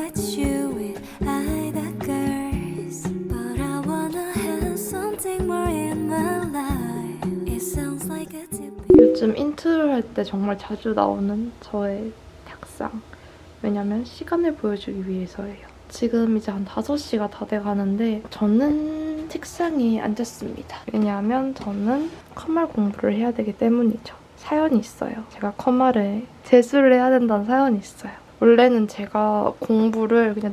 with you with either girls, but I wanna have something more in my life. It sounds like a typical. 요즘 인트로 할 때 정말 자주 나오는 저의 탁상. 왜냐면 시간을 보여주기 위해서예요. 지금 이제 한 5시가 다 돼가는데 저는 책상에 앉았습니다. 왜냐하면 저는 컴활 공부를 해야 되기 때문이죠. 사연이 있어요. 제가 컴활에 재수를 해야 된다는 사연이 있어요. 원래는 제가 공부를 그냥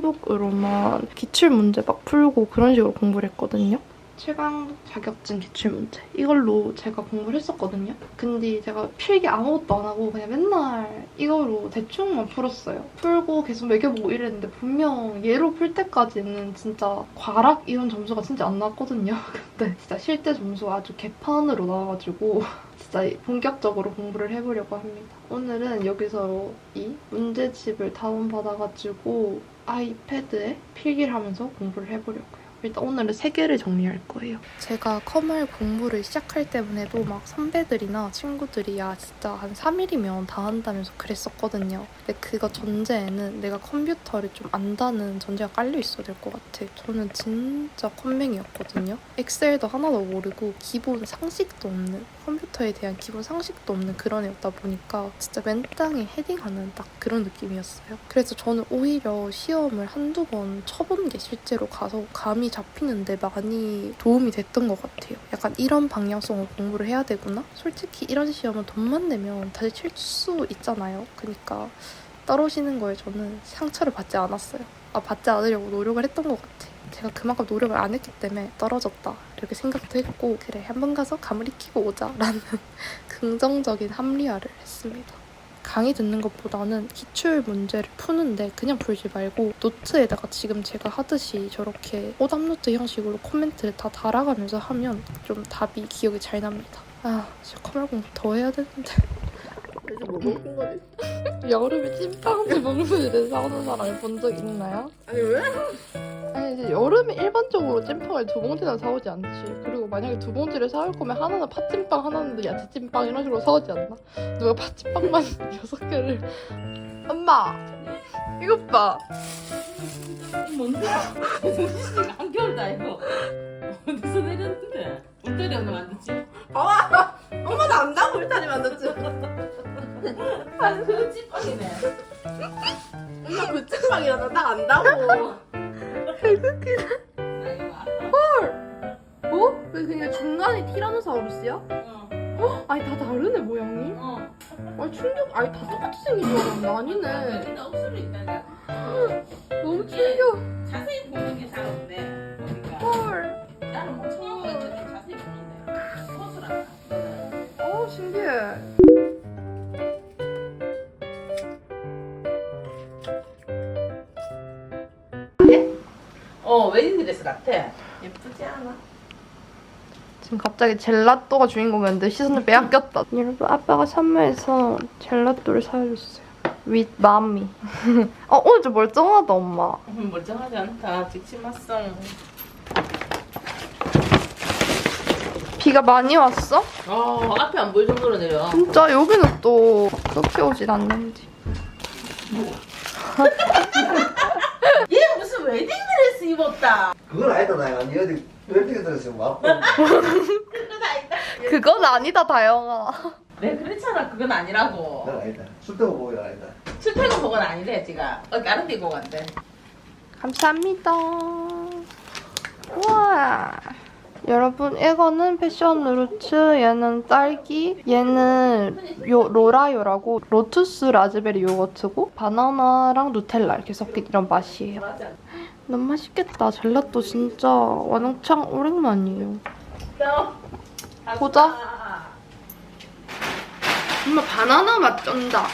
노트북으로만 기출문제 막 풀고 그런 식으로 공부를 했거든요. 최강 자격증 기출문제 이걸로 제가 공부를 했었거든요. 근데 제가 필기 아무것도 안 하고 그냥 맨날 이거로 대충만 풀었어요. 풀고 계속 매겨보고 이랬는데 분명 얘로 풀 때까지는 진짜 과락 이런 점수가 진짜 안 나왔거든요. 근데 진짜 실제 점수가 아주 개판으로 나와가지고 진짜 본격적으로 공부를 해보려고 합니다. 오늘은 여기서 이 문제집을 다운받아가지고 아이패드에 필기를 하면서 공부를 해보려고요. 일단 오늘은 3개를 정리할 거예요. 제가 컴활 공부를 시작할 때만 해도 막 선배들이나 친구들이 야 진짜 한 3일이면 다 한다면서 그랬었거든요. 근데 그거 전제에는 내가 컴퓨터를 좀 안다는 전제가 깔려 있어야 될 것 같아. 저는 진짜 컴맹이었거든요. 엑셀도 하나도 모르고 기본 상식도 없는, 컴퓨터에 대한 기본 상식도 없는 그런 애였다 보니까 진짜 맨땅에 헤딩하는 딱 그런 느낌이었어요. 그래서 저는 오히려 시험을 한두 번 쳐본 게 실제로 가서 감이 잡히는데 많이 도움이 됐던 것 같아요. 약간 이런 방향성으로 공부를 해야 되구나? 솔직히 이런 시험은 돈만 내면 다시 칠 수 있잖아요. 그러니까 떨어지는 거에 저는 상처를 받지 않았어요. 받지 않으려고 노력을 했던 것 같아요. 제가 그만큼 노력을 안 했기 때문에 떨어졌다 이렇게 생각도 했고 그래 한번 가서 감을 익히고 오자라는 긍정적인 합리화를 했습니다. 강의 듣는 것보다는 기출 문제를 푸는데 그냥 풀지 말고 노트에다가 지금 제가 하듯이 저렇게 오답노트 형식으로 코멘트를 다 달아가면서 하면 좀 답이 기억이 잘 납니다. 진짜 컴활 공부 더 해야 되는데. 그래서 뭐 먹은 거지? 여름에 찐빵을 먹는 데 싸우는 사람을 본 적 있나요? 아니 왜? 아니 이제 여름에 일반적으로 찐빵을 2봉지나 사오지 않지. 그리고 만약에 2봉지를 사올 거면 하나는 팥찐빵, 하나는 야채찐빵 이런 식으로 사오지 않나? 누가 팥찐빵만 6개를 엄마! 이것 봐! 뭔데? 한겨울다 이거. 어디서 내렸는데? 울타리 엄마 만들지? 엄마도 안다고 울타리 만들지? 아니 그 찐빵이네. 엄마 그 찐빵이라서 나 안다고. 개웃기네. 헐! 어? 왜 그냥 중간이 티라노사우루스야? 아니 다 다르네 모양이. 아니 충격. 아니 다 똑같이 생긴 줄 알았는데 아니네. 여기다 옥수수 있다가. 너무 충격. 자세히 보는 게 잘 없네. 보니까. 헐. 나는 뭐 처음에 이렇게 자세히 보는데 허술하다. 신기해. 웨딩드레스 같아. 예쁘지 않아? 지금 갑자기 젤라또가 주인공이었는데 시선을 빼앗겼다. 여러분 아빠가 선물해서 젤라또를 사줬어요. With mommy. 오늘 좀 멀쩡하다 엄마. 멀쩡하지 않다. 직심합성. 비가 많이 왔어? 앞에 안 보일 정도로 내려. 진짜 여기는 또 그렇게 오진 않는지. 얘 무슨 웨딩드레스 입었다. 그건 아니다 나야. 니 어디 웨딩드레스 왔고. 그건 아니다. 그건 아니다 다영아. 네 그렇잖아. 그건 아니라고. 그건 아니다. 술때고 보기 아니다. 출퇴근 그건 아니래 지가. 다른 데 입고 간대. 감사합니다. 우와. 여러분 이거는 패션 루츠, 얘는 딸기, 얘는 로라요라고 로투스 라즈베리 요거트고 바나나랑 누텔라 이렇게 섞인 이런 맛이에요. 너무 맛있겠다. 젤라또 진짜 완창 오랜만이에요. 보자. 엄마 바나나 맛 쩐다.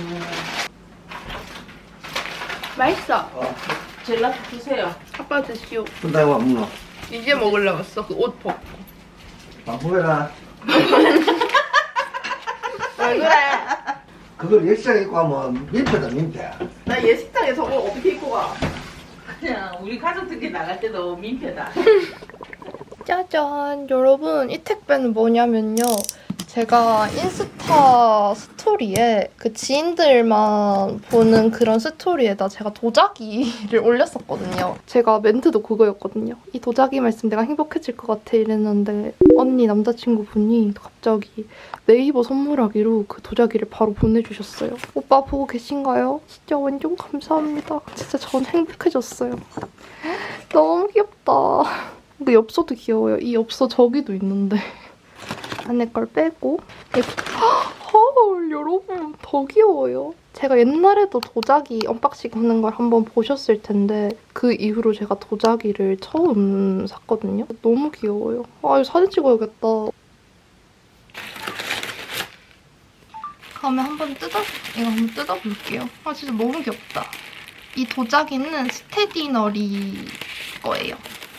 맛있어. 젤라또 주세요. 아빠 드시오. 순다고 안 먹노. 이제 먹으려고 했어. 그 옷 벗고. 방송해라. 왜 그래? 그걸 예식장 입고 하면 민폐다 민폐. 나 예식장에 저거 어떻게 입고 가? 그냥 우리 가족들끼리 나갈 때도 민폐다. 짜잔. 여러분 이 택배는 뭐냐면요. 제가 인스타 스토리에 그 지인들만 보는 그런 스토리에다 제가 도자기를 올렸었거든요. 제가 멘트도 그거였거든요. 이 도자기만 있으면 내가 행복해질 것 같아 이랬는데 언니 남자친구분이 갑자기 네이버 선물하기로 그 도자기를 바로 보내주셨어요. 오빠 보고 계신가요? 진짜 완전 감사합니다. 진짜 전 행복해졌어요. 너무 귀엽다. 그 엽서도 귀여워요. 이 엽서 저기도 있는데 안에 걸 빼고 헐 여러분 더 귀여워요. 제가 옛날에도 도자기 언박싱 하는 걸 한번 보셨을 텐데 그 이후로 제가 도자기를 처음 샀거든요. 너무 귀여워요. 아 이거 사진 찍어야겠다. 다음에 이거 한번 뜯어볼게요. 아 진짜 너무 귀엽다. 이 도자기는 스테디너리 거예요.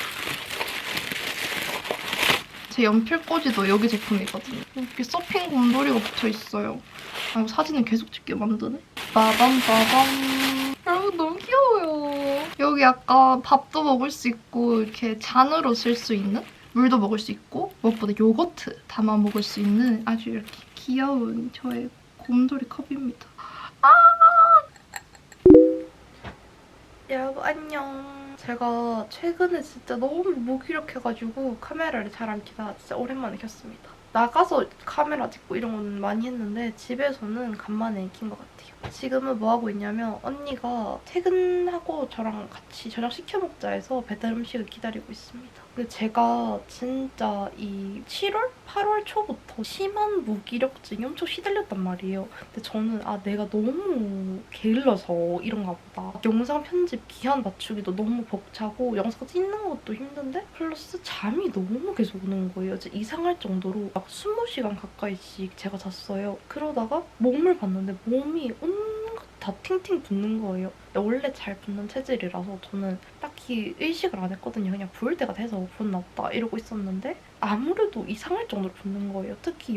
제 연필꽂이도 여기 제품이거든요. 이렇게 서핑 곰돌이가 붙어있어요. 아, 이거 사진을 계속 찍게 만드네. 빠밤빠밤. 여러분 너무 귀여워요. 여기 약간 밥도 먹을 수 있고 이렇게 잔으로 쓸 수 있는? 물도 먹을 수 있고 무엇보다 요거트 담아 먹을 수 있는 아주 이렇게 귀여운 저의 곰돌이 컵입니다. 아! 여러분 안녕. 제가 최근에 진짜 너무 무기력해가지고 카메라를 잘 안 켜다 진짜 오랜만에 켰습니다. 나가서 카메라 찍고 이런 건 많이 했는데 집에서는 간만에 킨 것 같아요. 지금은 뭐 하고 있냐면 언니가 퇴근하고 저랑 같이 저녁 시켜 먹자 해서 배달 음식을 기다리고 있습니다. 근데 제가 진짜 이 7월? 8월 초부터 심한 무기력증이 엄청 시달렸단 말이에요. 근데 저는 내가 너무 게을러서 이런가 보다. 영상 편집 기한 맞추기도 너무 벅차고 영상 찍는 것도 힘든데 플러스 잠이 너무 계속 오는 거예요. 진짜 이상할 정도로 막 20시간 가까이씩 제가 잤어요. 그러다가 몸을 봤는데 몸이 온갖 다 팅팅 붓는 거예요. 원래 잘 붓는 체질이라서 저는 딱히 의식을 안 했거든요. 그냥 부을 때가 돼서 붓나 보다 이러고 있었는데 아무래도 이상할 정도로 붓는 거예요. 특히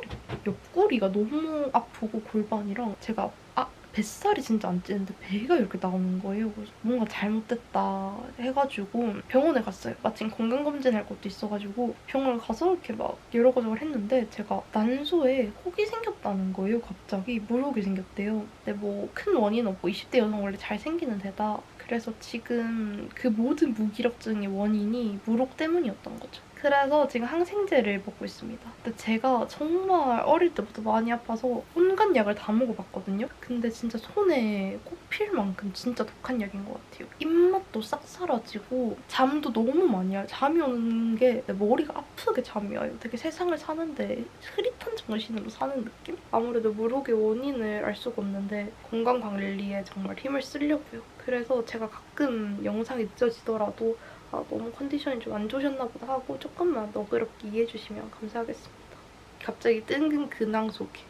옆구리가 너무 아프고 골반이랑 제가 뱃살이 진짜 안 찌는데 배가 이렇게 나오는 거예요. 그래서 뭔가 잘못됐다 해가지고 병원에 갔어요. 마침 건강검진할 것도 있어가지고 병원 가서 이렇게 막 여러 가지 했는데 제가 난소에 혹이 생겼다는 거예요. 갑자기 물혹이 생겼대요. 근데 뭐 큰 원인은 없고 20대 여성 원래 잘 생기는 데다 그래서 지금 그 모든 무기력증의 원인이 물혹 때문이었던 거죠. 그래서 지금 항생제를 먹고 있습니다. 근데 제가 정말 어릴 때부터 많이 아파서 온갖 약을 다 먹어봤거든요. 근데 진짜 손에 꼽힐 만큼 진짜 독한 약인 것 같아요. 입맛도 싹 사라지고 잠도 너무 많이 와요. 잠이 오는 게 머리가 아프게 잠이 와요. 되게 세상을 사는데 흐릿한 정신으로 사는 느낌? 아무래도 물혹의 원인을 알 수가 없는데 건강관리에 정말 힘을 쓰려고요. 그래서 제가 가끔 영상이 늦어지더라도 너무 컨디션이 좀 안 좋으셨나 보다 하고 조금만 너그럽게 이해해주시면 감사하겠습니다. 갑자기 뜬금 근황 소개.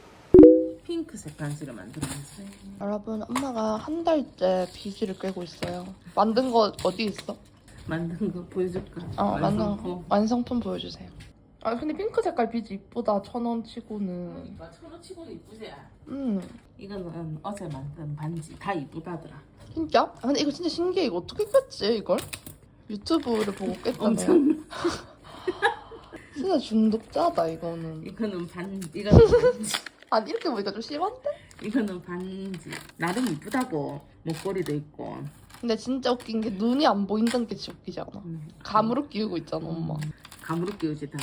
핑크색 반지를 만들어놨어요. 여러분 엄마가 한 달째 비즈를 꿰고 있어요. 만든 거 어디 있어? 만든 거 보여줄까? 만든 완성품 보여주세요. 근데 핑크 색깔 비즈 이쁘다. 1,000원 치고는. 1,000원 치고도 이쁘지? 이거는 어제 만든 반지 다 이쁘다더라. 진짜? 근데 이거 진짜 신기해. 이거 어떻게 깼지 이걸? 유튜브를 보고 깼다며. 엄청. 진짜 중독자다 이거는. 이거는 반지. 아니 이렇게 보니까 좀 심한데? 이거는 반지. 나름 이쁘다고. 목걸이도 있고. 근데 진짜 웃긴 게 눈이 안 보인다는 게 진짜 웃기지 않아? 감으로 끼우고 있잖아 엄마. 감으로 끼우지 다.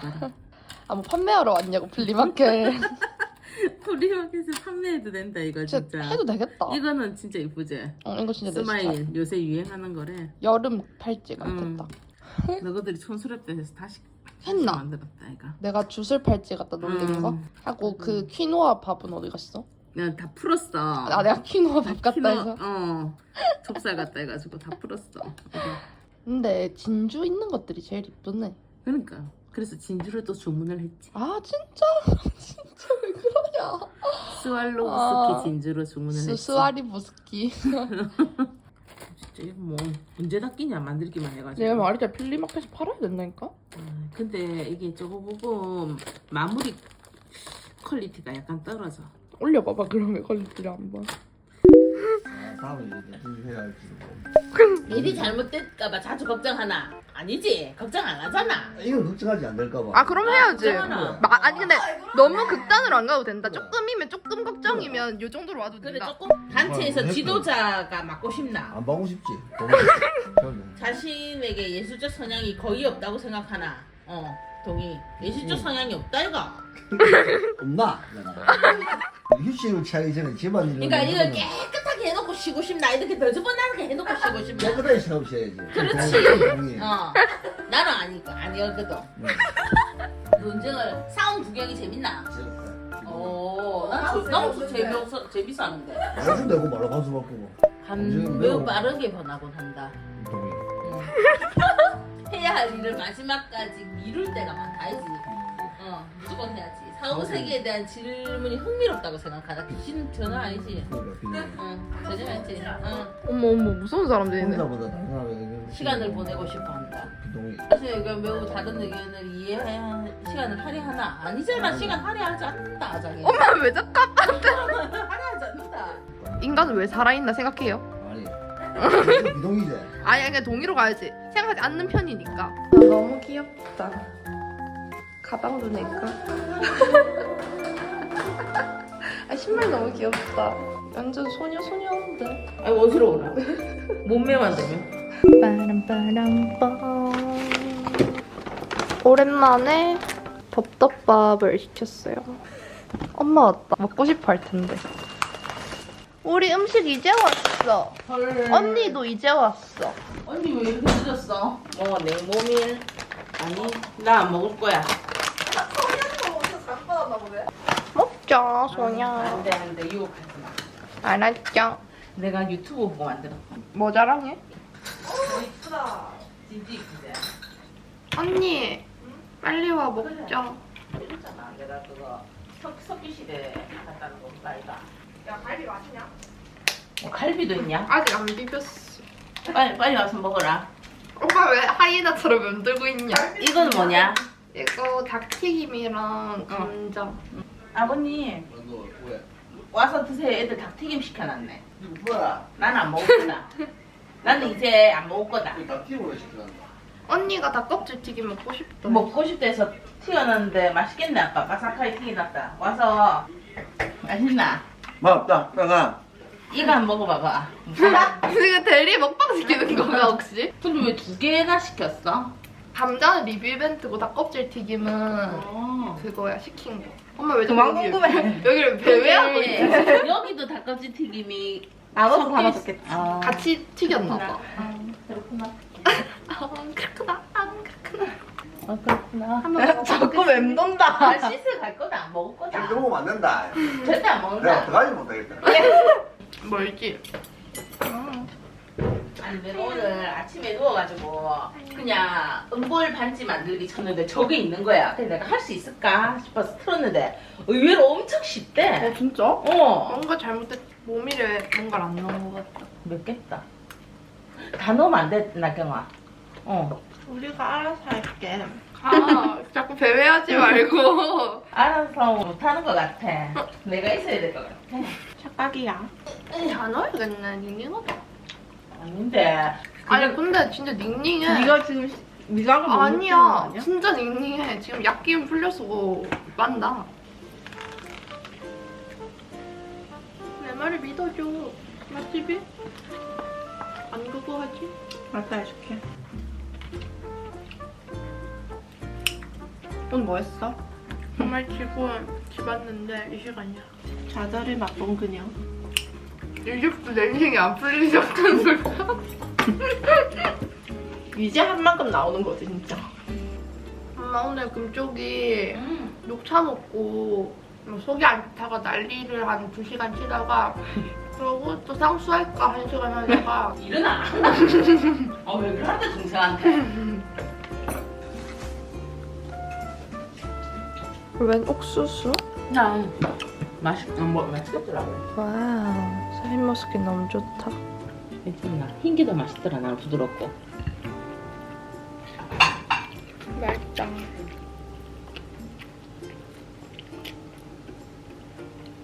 뭐 판매하러 왔냐고 플리마켓. 플리마켓에서 판매해도 된다 이거 진짜. 해도 되겠다. 이거는 진짜 이쁘지? 이거 진짜 내 스마일 스타일. 요새 유행하는 거래. 여름 팔찌 같았다. 너희들이 촌스럽다 해서 다시 했나? 만들었다 이거. 내가 주술 팔찌 갖다 놀린 거? 하고 그 퀴노아 밥은 어디 갔어? 내가 다 풀었어. 내가 퀴노아 밥 갖다 해서? 좁쌀 갖다 해가지고 다 풀었어. 근데 진주 있는 것들이 제일 이쁘네. 그러니까 그래서 진주를 또 주문을 했지. 진짜? 진짜 왜 그러냐. 스왈로우스키 진주로 주문을 했지. 스와리 부스키. 진짜 이거 뭐 언제 다 끼냐 만들기만 해가지고. 내가 말했잖아 플리마켓에서 팔아야 된다니까? 근데 이게 저거 부분 마무리 퀄리티가 약간 떨어져. 올려봐봐 그러면 퀄리티를 한번. 다음에 이렇게 해야 할지. 일이 잘못될까봐 자주 걱정하나? 아니지? 걱정 안 하잖아. 이건 걱정하지 안 될까 봐. 아 그럼 해야지. 걱정하나? 아니 근데 너무 극단으로 안 가도 된다. 조금이면 조금 걱정이면 요 정도로 와도 그래 된다. 조금 단체에서 뭐, 지도자가 맡고 싶나? 안 보고 싶지. 자신에게 예술적 성향이 거의 없다고 생각하나? 동의. 예술적 성향이 없다 이거. 없나? 내가. 휴식을 취하기 전에 집안일을. 그러니까 이걸 깨끗하게 해놓고 쉬고 싶나? 이렇게 너저분하게 해놓고 쉬고 싶나? 깨끗하게 생각해야지. 그렇지. 동의. 나는 아니거든. 논쟁을 싸움 구경이 재밌나? 난 재밌어 하는데. 말씀 되고 말하고 한수 바꾸고. 매우 빠르게 변하곤 한다. 동의. 해야 할 일을 마지막까지 미룰 때가 많다이지. 무조건 해야지. 사후 세계에 대한 질문이 흥미롭다고 생각하다. 귀신 전혀 아니지. 그러니까 전혀 아니지. 어머 무서운 사람들이네. 혼자보다 다른 사람에게 시간을 보내고 싶어 한다. 동의. 사실 이거 매우 다른 의견을 이해해야 시간을 할애하나? 아니잖아. 시간 할애하지 않는다. 자기. 엄마 왜 자꾸 할애하지 않는다. 인간은 왜 살아있나 생각해요? 아니. 비동의제. 아니 그냥 동의로 가야지. 생각하지 않는 편이니까. 너무 귀엽다. 가방도 내까? 아 신발 너무 귀엽다. 완전 소녀인데. 아니 어지러워라. 몸매만 되면. 빠람빠람빰. 오랜만에 덥덮밥을 시켰어요. 엄마 왔다. 먹고 싶어 할 텐데. 우리 음식 이제 왔어. 헐. 언니도 이제 왔어. 언니 왜 이렇게 늦었어? 내 몸이 아니 나 안 먹을 거야. 먹자 소냐. 안돼 유혹하지 마. 알았죠. 내가 유튜브 보고 만들었어. 뭐 자랑해? 이쁘다. 진짜 이쁘지. 언니 빨리 와 먹자. 이랬잖아. 내가 그거 석기 시대 갔다는 거 아이가. 야 갈비 맛있냐? 갈비도 있냐? 아직 안 비볐어. 빨리 와서 먹어라. 오빠 왜 하이에나처럼 맴들고 있냐? 이건 뭐냐? 이거 닭튀김이랑 감자. 아버님 너 왜? 와서 드세요. 애들 닭튀김 시켜놨네. 뭐야? 나는 안 먹었구나. 나는 이제 안 먹을 거다. 닭튀김으로 시켜놨나? 언니가 닭껍질 튀김 먹고 싶다. 먹고 싶다 해서 튀어놨는데 맛있겠네 아빠. 바삭하게 튀겨놨다. 와서 맛있나? 맛없다. 빨가. 이거 한번 먹어봐봐. 지금 대리 먹방 시키는 건가 혹시? 근데 왜 2개나 시켰어? 감자는 리뷰 이벤트고 닭껍질 튀김은 그거야 시킨 거. 엄마 왜 그만 자꾸 궁금해. 여기를 배회하고 있지? 근데 여기도 닭껍질 튀김이 나눠서 섞일 담아줬겠지. 아. 같이 튀겼나 봐. 그렇구나. 그렇구나. 그렇구나. 그렇구나. 한번 먹어봐. 자꾸 맴돈다. 나 씻을 갈 거다. 안 먹을 거다. 이렇게 먹으면 안 된다. 절대 안 내가 먹는다. 어떡하지 못하겠다. 멀지? 아니 내가 오늘 아침에 누워가지고 그냥 은볼 반지 만들기 쳤는데 저게 있는 거야. 그래서 내가 할 수 있을까 싶어서 틀었는데 의외로 엄청 쉽대. 진짜? 뭔가 잘못됐. 몸이래 뭔가를 안 넣은 것 같다. 몇 개다. 다 넣으면 안 돼, 나경아. 우리가 알아서 할게. 아 자꾸 배회하지 말고. 알아서 못하는 것 같아. 내가 있어야 될 것 같아. 착각이야. 다 넣어야겠네. 닝닝하다. 아닌데. 아니 근데 진짜 닝닝해. 네가 지금 네가 너무 아니야. 아니야? 진짜 닝닝해. 지금 약기운 풀려서 만다. 내 말을 믿어줘. 맛집이? 안 그거 하지? 맞다 해줄게. 오늘 뭐 했어? 정말 지금 집 왔는데 이 시간이야. 좌절을 맛본 그녀. 이제부터 내 인생이 안 풀리셨다는 소리야. 이제 한 만큼 나오는 거지 진짜. 엄마 오늘 금쪽이 녹차 먹고 속이 안 좋다가 난리를 한 2시간 치다가 그러고 또 상수할까 1시간 하다가 일어나. 왜 그러는데, 동생한테. 웬 옥수수? 맛있겠더라고. 와우 샤인머스켓 너무 좋다. 괜찮나? 흰게도 맛있더라, 나는 부드럽고. 맛있다.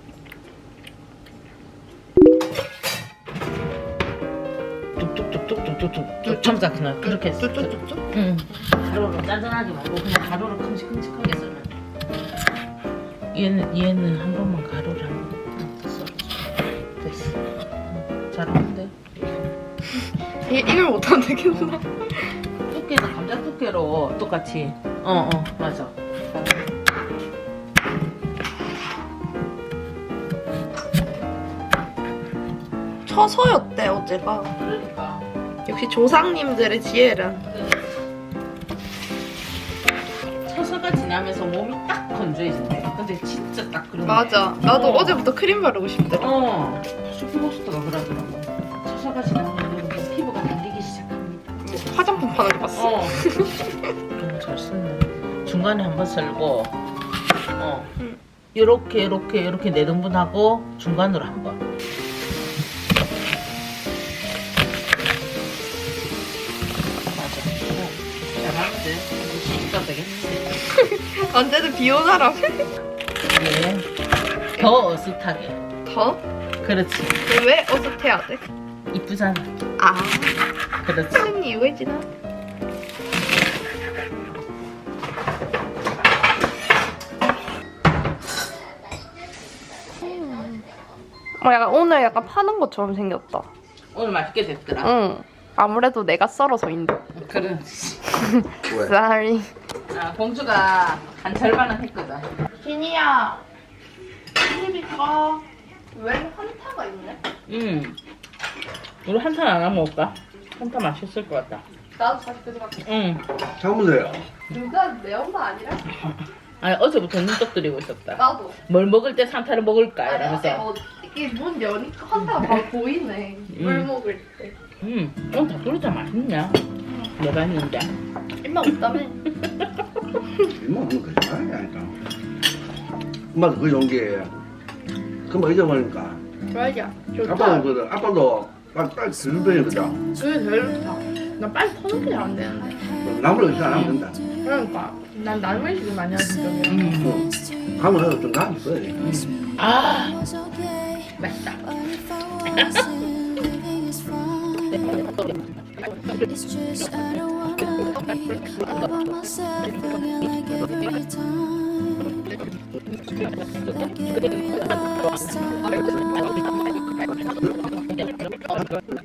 뚝뚝뚝뚝뚝. 뚝뚝뚝 참자 그냥 그렇게 했어. 쭈쭈쭈쭈. 응. 가로로 짠짠하게 말고 그냥 가로로 큼직큼직하게 썰면 돼. 얘는 한 번만 가로를 한 번 썰어줘. 됐어. 응. 잘하는데. 이걸 못하면 되겠나? 두께도 감자 두께로 똑같이. 맞아. 처서였대 어제가. 그러니까. 역시 조상님들의 지혜는. 처서가 지나면서 몸이 딱 건조해진대. 근데 진짜 딱 그런. 맞아. 나도 어. 어제부터 크림 바르고 싶더라. 슈퍼호스트가 그러더라고. 처서가 지나면 피부가 달리기 시작합니다. 화장품 파는 거 봤어. 잘 썼네. 중간에 한번 썰고, 응. 요렇게 네 등분하고 중간으로 한 번. 맞아. 잘하는데. 진짜 되겠지. 언제든 비오나라. 이게 더 어슷하게. 더? 그렇지. 왜 어슷해야 돼? 이쁘잖아. 아, 그렇지. 하는 이유가 있지나? 약간 오늘 약간 파는 것처럼 생겼다. 오늘 맛있게 됐더라. 응. 아무래도 내가 썰어서인데. 그렇지. 왜? Sorry. 아, 공주가 한 절반은 했거든. 진이야. TV가 왜 한타가 있네? 우리 한탄 안 하면 먹을까? 한탄 맛있을 것 같다. 나도 사실 그 생각해. 응. 참으세요 누가 매운 거 아니라? 아니 어제부터 눈독 들이고 있었다. 나도. 뭘 먹을 때 산타를 먹을까 이러면서. 이게 문 여니까 한타가 바로 보이네. 물 먹을 때. 오늘 닭도리탕 맛있냐? 내가 했는데. 입맛 없다며? 이모 하면 거짓말이 아니까. 엄마도 그 좋은 게 금방 잊어버리니까. 맞아. 아빠는 그거든. 아빠도 딱 들배거든. 그게 제일 좋다. 나 빨리 터는 게 안 되는데. 나무를 잘안 하면 된다. 그러니까. 난 나물식을 많이 하는 쪽이야. 가면 해도 좀 나은 있어야지. 아 맛있다. It's just I don't wanna be all by myself. Feeling like every time. Like every last time.